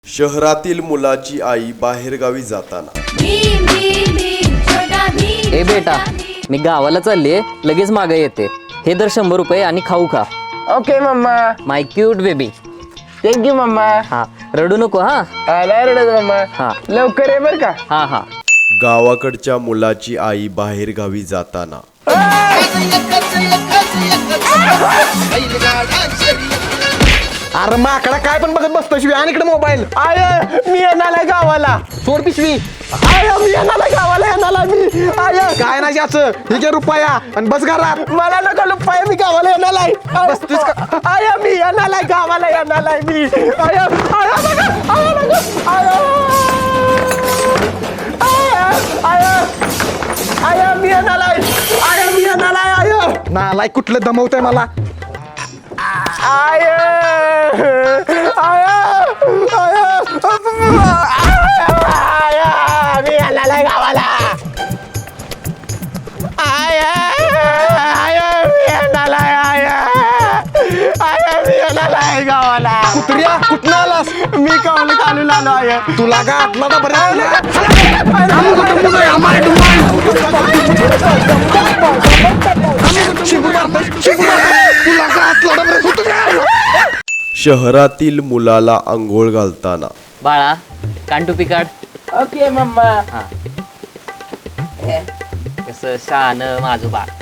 शहरातील मुलाची आई बाहेरगावी जाताना. ए बेटा, मी गावाला चालले, लगेच मागे येते. हे दर 100 रुपये आणि खाऊ खा. Okay mamma. My cute baby. Thank you mamma. हा, रडू नको. हा आला रडत मम्मा. हा लवकर ये बर का. हा हा. गावाकडच्या मुलाची आई बाहेरगावी जाताना. अरे माकडा काय पण बघत बसतो शिवी आणि इकडे मोबाईल. आय मी येणार गावाला. सोड पिशवी. आय मी येणार गावाला येणार मी. आय काय नाही याचं हे घे रुपया आणि बस घरात. मला नका लुपाय, मी गावाला येणार आहे. बसतोस का? आय मी येणार आहे गावाला येणार आहे मी. आय आय नका आय नका आय आय आय मी येणार आहे. आय मी येणार आहे. आय नालाय कुठलं दमवतंय मला. आय आय आय मी येणार आहे गावाला. आय आय मी येणार आहे. आय मी येणार आहे गावाला. कुत्र्या कुठं आलास. मी कावलं काढून आलो आहे. तुला का आतला ना शहरातील मुलाला आंघोळ घालताना. बाळा, कांटुपी काढ. Okay mamma. हा, कसं शान माझं बाळ.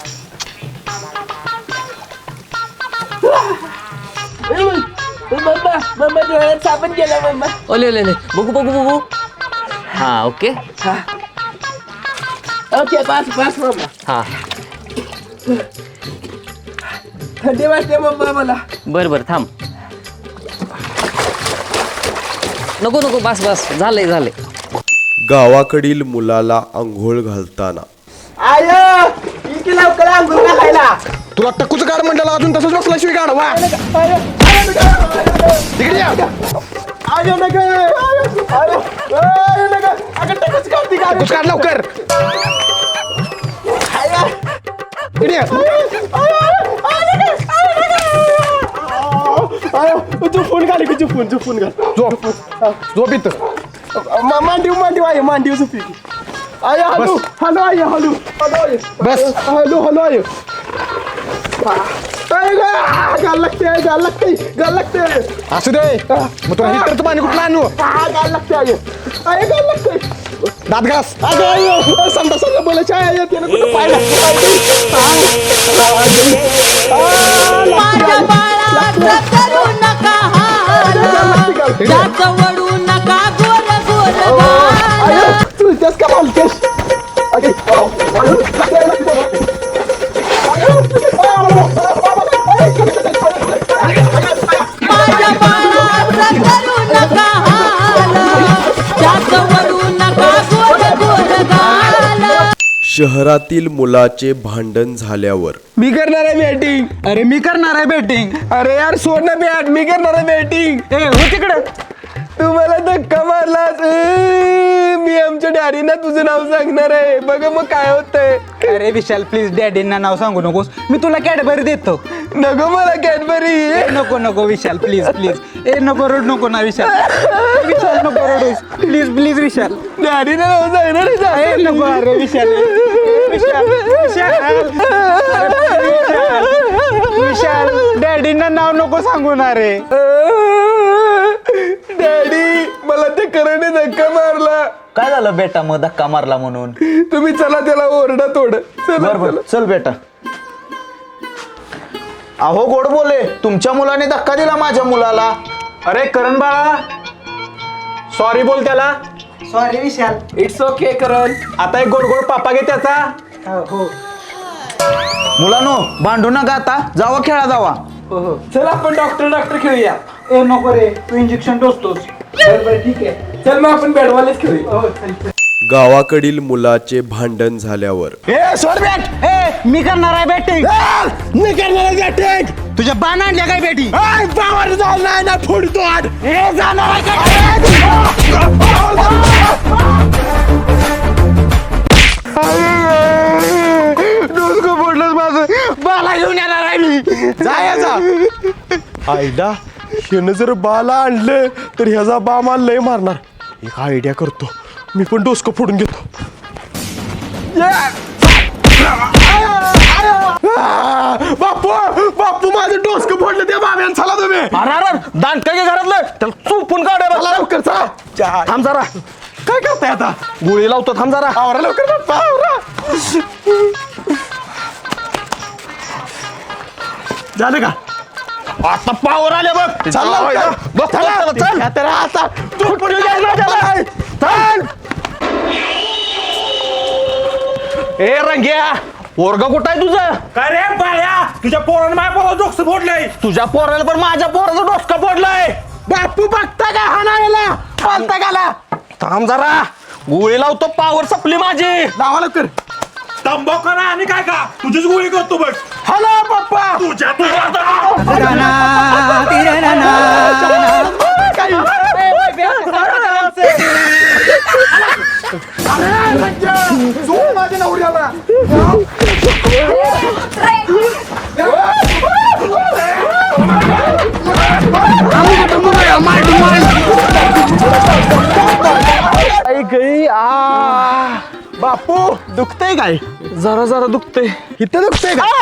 मम्मा मम्मा डोळ्यात साबण गेला मम्मा. ओले ओले ओले. बघू बघू बघू. हा ओके. ओके बस बस मम्मा. हा थंडी वाजते मम्मा मला. बर बर थांब. नको नको, बस बस, झालंय झालंय. गावाकडील मुलाला आंघोळ घालताना. आय इथे लवकर आंघोळ घालायला. तुला टक्कूच गाड म्हणलं अजून तसंच बसला शिवी गाड वा तिकडे या. आय नका आय नका अगं टकच काढती का. टक्कूच काढ लवकर. इकडे या. तू फोन घाल की तू फोन घाल. झोप झोप इथं. मांडीव मांडीव आहे मांडीव सुपी. आय हॅलो हॅलो आय हॅलो हॅलो बस. हॅलो हॅलो आय गाल लागते असू दे. मग तुला हिटरचं पाणी कुठलं आणू. गाल लागते आय गाल लागते. दात घास. अगं समजा बोलायचं आहे येते ना कुठं पाहिलं. माझ्या बाळाचं करू नका हाल, त्याचं वडू नका गोल गोल घाल. तू तेच का बोलतेस. माझ्या बाळाचं करू नका हाल, त्याचं वडू नका गोल गोल घाल. शहरातील मुलाचे भांडण झाल्यावर. मी करणार आहे बॅटिंग. अरे मी करणार आहे बॅटिंग. अरे यार सोड ना बॅट, मी करणार आहे बॅटिंग. ए हो तिकडे. तू मला धक्का मारलास. मी आमच्या डॅडीना तुझं नाव सांगणार आहे. बघ मग काय होतंय. अरे विशाल प्लीज डॅडींना नाव सांगू नकोस. मी तुला कॅडबरी देतो. नको मला कॅडबरी. नको नको विशाल प्लीज प्लीज. ए नको रड नको ना विशाल. विशाल नको रडूस प्लीज प्लीज विशाल. डॅडीना नाव सांगणार ए आहे. नको अरे विशाल. विशाल विशाल विशाल डॅडींना नाव नको सांगू ना रे. डॅडी मला ते करणे धक्का मारला. काय झालं बेटा मग धक्का मारला म्हणून. तुम्ही चला त्याला ओरडा थोडं. बर बर चल बेटा. अहो गोड बोले, तुमच्या मुलाने धक्का दिला माझ्या मुलाला. अरे करण बाळा सॉरी बोल त्याला. Sorry Vishal. It's okay Karan. आता एक गोड गोड पापा घे त्याचा. हो मुलानो भांडू नका आता, जावा खेळा जावा. हो चल आपण डॉक्टर खेळूया. ए नको रे तू इंजेक्शन टोचतोस. बरं ठीक आहे. चल मग आपण बॅटबॉलच खेळूया. हो चल. गावाकडील मुलाचे भांडण झाल्यावर. ए सोड बॅट. ए मी करणार आहे बॅटिंग. मी करणार आहे बॅटिंग. तुझ्या बाण आणल्या काय बॅटिंग. पावर झाला ना फोडतो आठ. हे जाणार डोसको फोडलंच माझं. बाला घेऊन येणार आहे मी. जायचा आयडा ह्यानं जर बाला आणलं तर ह्याचा बा मला लय मारणार. एक आयडिया करतो, मी पण डोसकं फोडून घेतो. बापू बापू माझं डोसकं फोडलं त्या बाब्यानं. चला तुम्ही. दांड काय घरातलं त्याला चुपून काढा. चला लवकर चला. थांब जरा. काय करताय आता? गोळी लावतो. थांब जरा. आवरा लवकर बाप्पा आवरा. झालं का? आता पावर आले बघ. चल लवकर. बघ चल चल. या तर आता तू पण चल. ए रंग्या पोरगा कुठं आहे तुझं? काय रे बाळ्या, तुझ्या पोरानं माझ्या पोराला डोकं फोडलंय. तुझ्या पोराला पण माझ्या पोराचं डोसका फोडलाय. बापू बघता का हा नाहीला पालता गाला. थांब जरा. गोळी लावतो. पावर संपली माझी. लावा लवकर. तंबाखू ना आणि काय का तुझीच गोळी करतो बघ. हॅलो पप्पा. तुझ्या माझ्या नवऱ्याला बापू दुखतंय काय? जरा जरा दुखते. इथं दुखतंय का?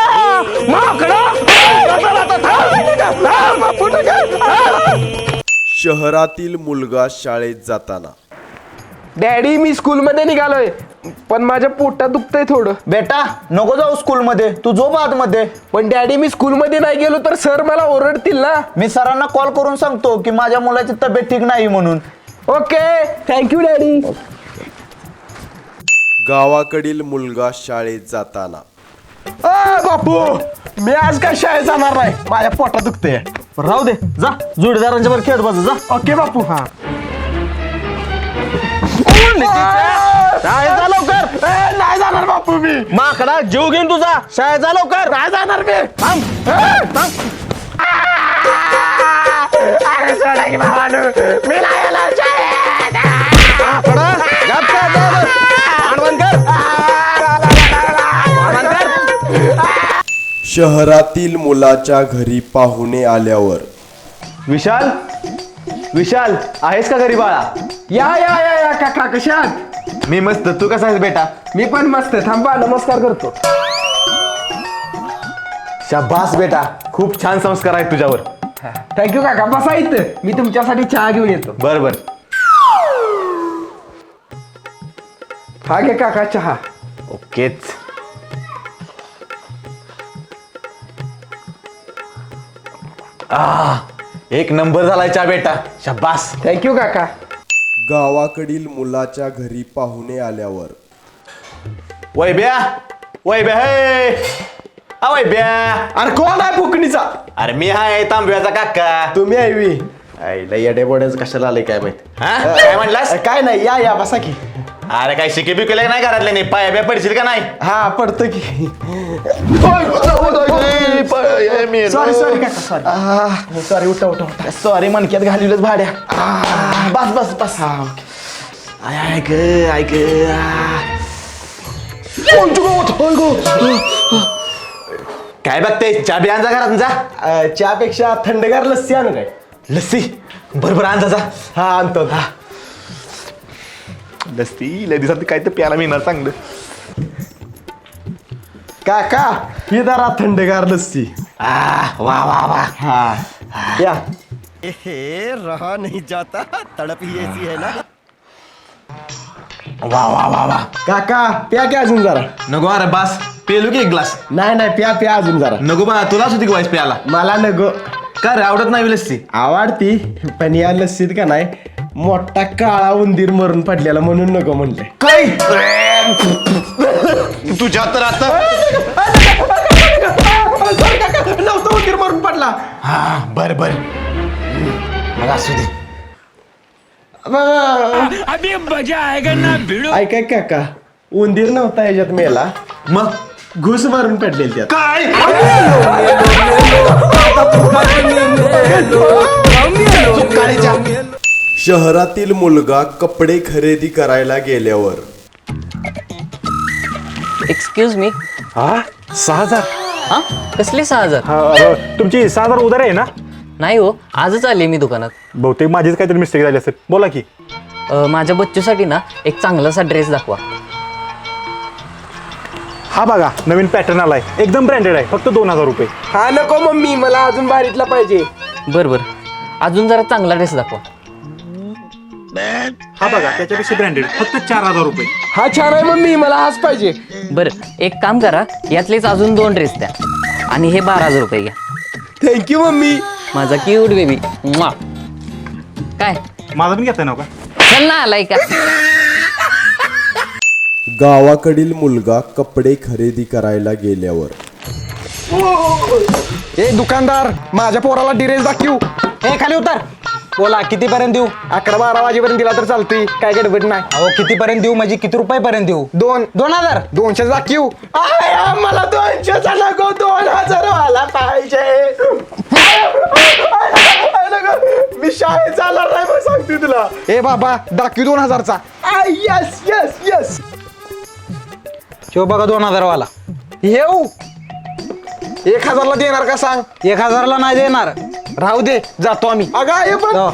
शहरातील मुलगा शाळेत जाताना. डॅडी मी स्कूल मध्ये निघालोय पण माझ्या पोटात दुखतंय थोडं. बेटा नको जाऊ स्कूल मध्ये. तू झोप आत मध्ये. पण डॅडी मी स्कूल मध्ये नाही गेलो तर सर मला ओरडतील ना. मी सरांना कॉल करून सांगतो की माझ्या मुलाची तब्येत ठीक नाही म्हणून. Okay thank you daddy. गावाकडील मुलगा शाळेत जाताना. बापू मी आज काय शाळेत जाणार नाही, माझ्या पोटात दुखतंय. राहू दे. जा जोडीदारांच्या वर खेळत बस. जा. ओके बापू. हा शाळेत जा लवकर. नाही जाणार बापू मी. माकडा जीव घेऊन तुझा. शाळेत जा लवकर. नाही जाणार मी. थांब. अरे सोडा की भावानो, मी नाही येणार शाळेत. माकडा, गप का आता? आडवण कर. आडवण कर. शहरातील मुलाच्या घरी पाहुणे आल्यावर. विशाल विशाल आहेस का घरी बाळा? या या या या काका कशात? मी मस्त. तू कसा आहेस बेटा? मी पण मस्त. थांबा नमस्कार करतो. शाबास बेटा. खूप छान संस्कार आहेत तुझ्यावर. थँक्यू काका. बसा इथं, मी तुमच्यासाठी चहा घेऊन येतो. बर बर. हा घे काका चहा. ओकेच. एक नंबर झालाय चहा बेटा. शाबास. थँक्यू काका. गावाकडील मुलाच्या घरी पाहुणे आल्यावर. वैब्या वैब्या हे वैब्या. अरे कोण आहे फुकणीचा? अरे मी हाय तांब्याचा काका. तुम्ही ऐवी. आईला येडे बोड्याच कशाला आले काय माहित. हा काय म्हणलास? काय नाही, या या बसा की. अरे काय शिके बिकेले नाही घरातले नाही. पाया बिया पडशील का नाही? हा पडतं की. सॉरी सॉरी काका सॉरी. सॉरी उठा उठा उठा. सॉरी मनक्यात घालवलंच भाड्या. बस बस बस. हा ऐक ऐक. काय बघते? चहा बी आणजा घरात जा. चहापेक्षा थंडगार लस्सी आणू काय? लस्सी बरोबर आणजा जा. हा आणतो. हा लस्सी लय दिवसात काय तर प्यायला मिळणार चांगलं. काका ही जरा थंडगार लस्सी. वा वा वा. हा या. रहा नहीं जाता, तड़प ही ऐसी है ना. वा वा वा वा. काका प्या की अजून जरा. नको अरे बास. पेलू की एक ग्लास? नाही नाही प्या प्या अजून जरा. नको बा. तुलाच होती वाईस प्यायला. मला नको. का रे आवडत नाही लस्सी? आवडती पण या लस्सीत का नाही मोठा काळा उंदीर मरून पडलेला म्हणून नको म्हणले. काय तुझ्या तर आता. नव्हतं उंदीर मरून पडला. हा बर बर. मग असू दे. अभी मजा आएगा ना भिडो. ऐकाय काका उंदीर नव्हता ह्याच्यात मेला, मग घुस मारून पडलेली त्यात. काय? शहरातील मुलगा कपडे खरेदी करायला गेल्यावर. Excuse me. हा 6,000. हा कसले 6,000? तुमची 6,000 उधार आहे ना? नाही हो, आजच आले मी दुकानात. बहुतेक माझीच काहीतरी मिस्टेक झाली असेल. बोला की. माझ्या बच्चूसाठी ना एक चांगलासा ड्रेस दाखवा. हा बघा, नवीन पॅटर्न आलाय, एकदम ब्रँडेड आहे, फक्त 2000 रुपये. हा नको मम्मी, मला अजून भारीतला पाहिजे. बरं अजून जरा चांगला ड्रेस दाखवा. हा बघा, त्याच्यापेक्षा ब्रँडेड, फक्त 4000 रुपये. हा छान आहे मम्मी, मला हाच पाहिजे. बरं एक काम करा, यातलेच अजून 2 ड्रेस द्या आणि हे 12000 रुपये घ्या. Thank you mummy. माझा क्यूट बेबी. काय माझा पण घेताय ना का? चल ना आलाय का? गावाकडील मुलगा कपडे खरेदी करायला गेल्यावर. ए दुकानदार, माझ्या पोराला ड्रेस दाखवू. हे खाली उतर. बोला कितीपर्यंत देऊ? 11-12 वाजेपर्यंत दिला तर चालतोय, काय गडबड नाही. अहो कितीपर्यंत देऊ म्हणजे किती रुपयापर्यंत देऊ? 2000. 200 दाखवू. मला 200 नको, 2000 वाला पाहिजे. मी शाळेत चालणार नाही, मग सांगते तुला. ए बाबा दाखवू 2000चा. Yes yes yes. शिव बघा 2000 वाला. येऊ 1000ला देणार का सांग? 1000ला नाही देणार. राहू दे, जातो आम्ही. अगाय पण जाऊ.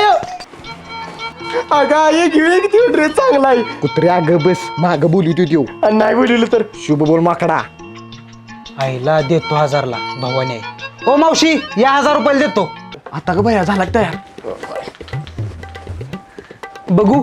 अगाय घेऊया किती ड्रेस चांगला आहे. कुत्रे अगं बस, माग बोलू देऊ आणि नाही बोलवलं तर शुभ बोल माकडा. आईला देतो 1000ला भवानी आहे. ओ मावशी या 1000 रुपयाला देतो. आता ग भया झाला तयार. बघू.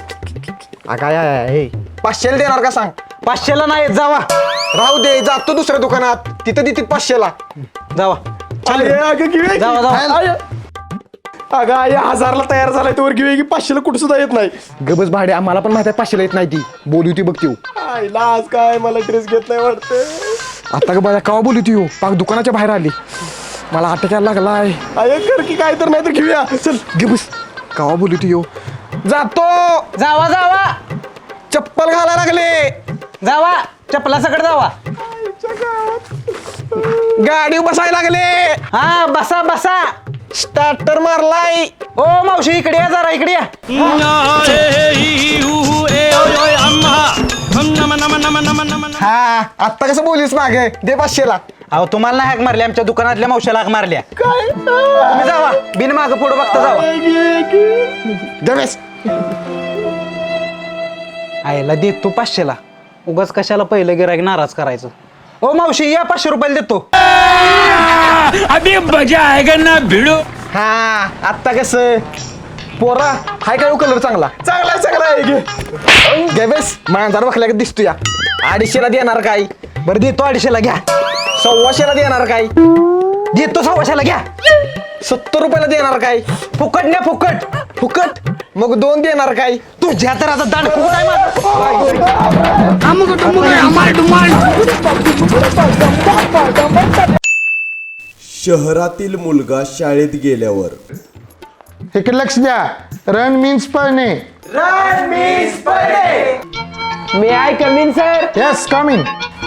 अगाय 500ला देणार का सांग? 500ला नाही जावा. राहू दे, जातो दुसऱ्या दुकानात, तिथं देतील 500ला. जावा. जावा, जावा. अगं आई 1000ला तयार झालाय, तोवर घेऊया की 500ला कुठं सुद्धा येत नाही. गबस भाडे, आम्हाला पण माहिती आहे 500ला येत नाही ती. बोलू ती बघ ती. आईला आज काय मला ड्रेस घेत नाही वाटतं. आता ग बाया कवा बोलू ती पाक दुकानाच्या बाहेर आली. मला अटकायला लागलाय. अरे कर की काय तर नाही तर घेऊया. चल गबस, कवा बोलू ती जातो. जावा जावा. चप्पल घालायला लागले. जावा चपला सकट जावा. गाडी बसायला लागले. हा बसा बसा. स्टार्टर मारलाय. ओ मावशी इकडे या जरा, इकडे या. हा आता कसं बोलीस मागे दे 500ला. अहो तुम्हाला नाही हाक मारली, आमच्या दुकानातल्या मावशीला हाक मारल्या. तुम्ही जावा, बिन मागं पुढं बघता जावा. गणेश आईला देतो 500ला. उगाच कशाला पहिलं गिराईक नाराज करायचं. ओ मावशी या 500 रुपयाला देतो. अभी मजा आएगा ना भिड़ो. हा आता कसं पोरा हाय काय कलर चांगला चांगला आहे. गणेश मांजर बघल्या का दिसतो या. 250ला देणार काय? बरं देतो 250ला घ्या. 125ला देणार काय? देतो 125ला घ्या. 70 रुपयाला देणार काय? फुकट न्या फुकट. फुकट मग 2 देणार काय? तुझ्या तर आता दांड फुकट आहे माझं. शहरातील मुलगा शाळेत गेल्यावर. इकडे लक्ष द्या. रन मीन्स पळणे. May I come in sir? Yes come in.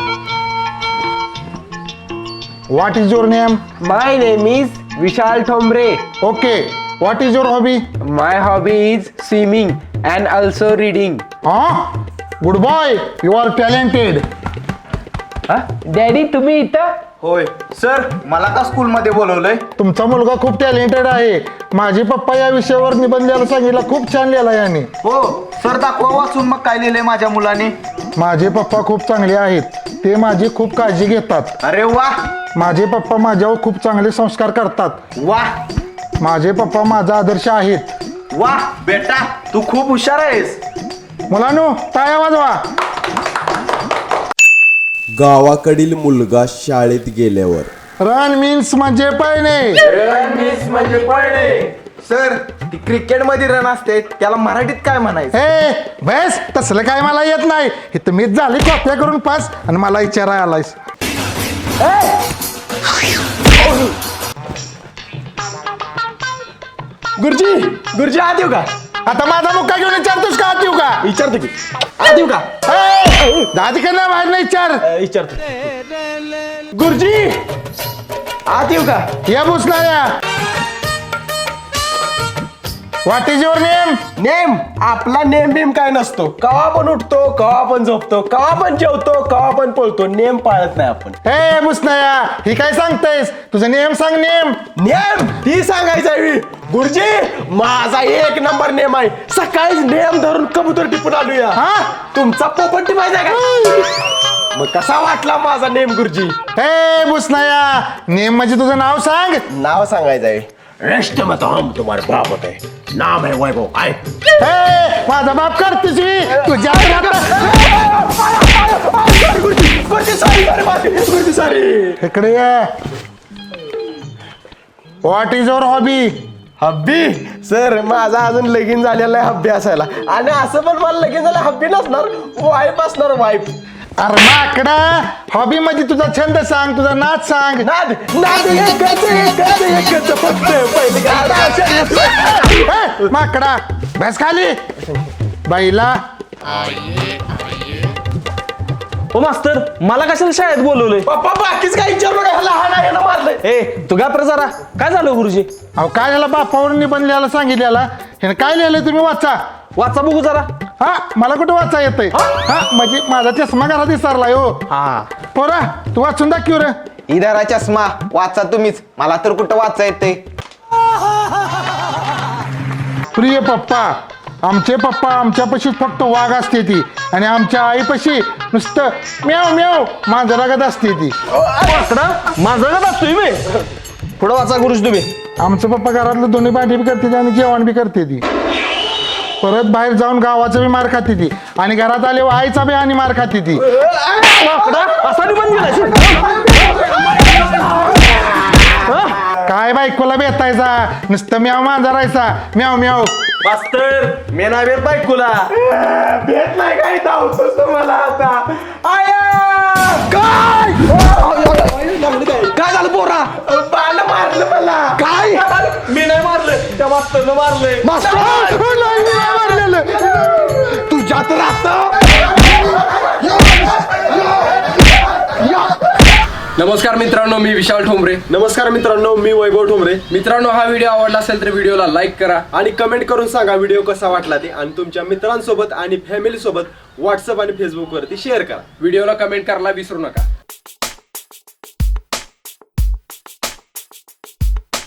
What is your name? My name is Vishal Thombare. Okay. What is your hobby? My hobby is swimming and also reading. हा good boy, you are talented. Daddy तुम्ही इथं? होय sir, मला का स्कूलमध्ये बोलवलंय? तुमचा मुलगा खूप टॅलेंटेड आहे. माझे पप्पा या विषयावर निबंध लिहायला सांगितलं, खूप छान लिहिला याने. हो सर, दाखवा वाचून मग काय लिहिलंय माझ्या मुलाने. माझे पप्पा खूप चांगले आहेत. ते माझी खूप काळजी घेतात. अरे वा माझे पप्पा माझ्यावर खूप चांगले संस्कार करतात. वा माझे पप्पा माझा आदर्श आहेत. वा बेटा, तू खूप हुशार आहेस. मुलांनो टाळ्या वाजवा. गावाकडील मुलगा शाळेत गेल्यावर. रन मीन्स म्हणजे पळणे. म्हणजे पळणे. सर ती क्रिकेट मध्ये रन असते, त्याला मराठीत काय म्हणायचं? हे बस तसलं काय मला येत नाही. इथं मीच झाली कॉप्या करून पास आणि मला विचारायला आलायस. गुरुजी आत येऊ का? आता माझा मुक्का घेऊन विचारतोस का? आत येऊ का? विचारतो की आत येऊ का? दादीकडनं बाहेर नाही विचार. विचारतो. गुरुजी आत येऊ का? या भुसणाऱ्या. What is your name? Name आपला नेम बिम काय नसतो. कवा पण उठतो, कवा पण झोपतो, कवा पण जेवतो, कवा पण पळतो. नेम पाळत नाही आपण. हे मुसनाया, ही काय सांगतेस? तुझं नेम सांग. नेम नेम ही सांगायचं आहे मी. गुरुजी माझा 1 नंबर नेम आहे. सकाळीच नेम धरून कबूतर टिपून आलूया. हा? तुमचा पोपट टिपायचा का? मग कसा वाटला माझा नेम गुरुजी? हे मुसनाया, नेम म्हणजे तुझं नाव सांग. नाव सांगायचं आहे. रेस्ट मत हम तुम्हारे बाप होते. नाम है वैभव. आय हे माझा बाप करतेस मी तुझ्या इकडे ये. What is your hobby? Hubby sir माझा अजून लगीन झालेला आहे हब्बी असायला. आणि असं पण मला लगीन झालं हब्बी नसणार, वाईफ असणार वाईफ. अरे माकडा, हॉबी म्हणजे तुझा छंद सांग, तुझा नाच सांग. नाद नाद एकच फक्त पहिली हे, माकडा बस खाली. बाईला ओ मास्तर, मला कशाला शाळेत बोलवलंय? पप्पा बाकीच काही विचारू नका. लहान आहे ना मारलंय. ए तू घाबर जरा. काय झालं गुरुजी? अहो काय झालं, बापावर निबंध लिहायला सांगितलेला. ह्यानं काय लिहिलंय तुम्ही वाचा. वाचा बघू जरा. हा मला कुठं वाचा येतंय? हा म्हणजे माझा चष्मा घरात विसरलाय हो. हा पोरा तू वाचून दाखव रे. इधरा चष्मा वाचा तुम्हीच, मला तर कुठं वाचा येते. प्रिय पप्पा, आमचे पप्पा आमच्यापाशी फक्त वाघ असते ती आणि आमच्या आईपाशी नुसतं म्याव म्याव मांजरागत असते ती. माझं असतोय मी. पुढं वाचा गुरुजी तुम्ही. आमचं पप्पा घरातलं दोन्ही भांडी बी करते ती आणि जेवण बी करते ती. परत बाहेर जाऊन गावाचा बी मार खाते ती आणि घरात आले आईचा बी आणि मार खाते ती. असा निबंध लिहायचा? काय बायकोला बेतायचा, नुसतं म्याव मांजरायचा म्याव म्याव. मास्तर मी नाही भेट बायकोला. भेट नाही काही धावतोस तुम्हाला आता. काय काय झालं पोरा? बाण मारलं मला. काय मी नाही मारलं, त्या मास्तरनं मारलंय. तुझ्यात राहत. नमस्कार मित्रांनो, मी विशाल ठोंबरे. नमस्कार मित्रांनो, मी वैभव ठोंबरे. मित्रांनो, हा व्हिडिओ आवडला असेल तर व्हिडिओला लाईक करा आणि कमेंट करून सांगा व्हिडिओ कसा वाटला ते. आणि तुमच्या मित्रांसोबत आणि फॅमिली सोबत व्हॉट्सअप आणि फेसबुक वरती शेअर करा. व्हिडिओला कमेंट करायला विसरू नका.